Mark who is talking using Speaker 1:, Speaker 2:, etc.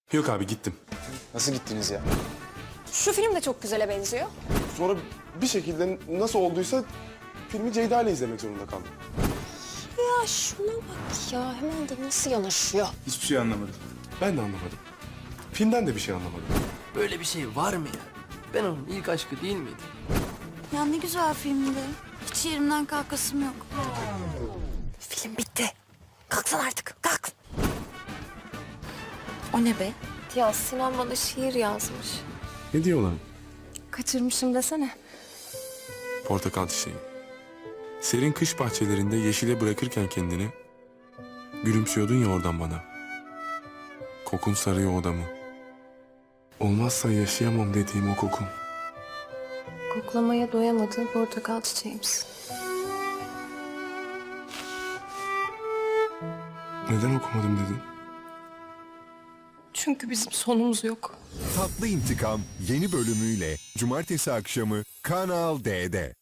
Speaker 1: Yok abi gittim.
Speaker 2: Nasıl gittiniz ya?
Speaker 3: Şu film de çok güzele benziyor.
Speaker 1: Sonra bir şekilde nasıl olduysa filmi Ceyda ile izlemek zorunda kaldım.
Speaker 3: Ya şuna bak ya, hemen de nasıl yanaşıyor.
Speaker 4: Hiçbir şey anlamadım.
Speaker 1: Ben de anlamadım. Filmden de bir şey anlamadım.
Speaker 5: Böyle bir şey var mı ya? Ben onun ilk aşkı değil miydim?
Speaker 6: Ya ne güzel filmdi. Hiç yerimden kalkasım yok.
Speaker 3: Film bitti. Kalksana artık, kalk.
Speaker 6: O ne be?
Speaker 3: Ya Sinan bana şiir yazmış.
Speaker 1: Ne diyorlar?
Speaker 3: Kaçırmışım desene.
Speaker 1: Portakal çiçeği. Serin kış bahçelerinde yeşile bırakırken kendini gülümsüyordun ya oradan bana. Kokun sarıyor odamı. Olmazsa yaşayamam dediğim o kokun.
Speaker 3: Koklamaya doyamadığın portakal çiçeğimsin.
Speaker 1: Neden okumadım dedin?
Speaker 3: Çünkü bizim sonumuz yok.
Speaker 7: Tatlı İntikam yeni bölümüyle cumartesi akşamı Kanal D'de.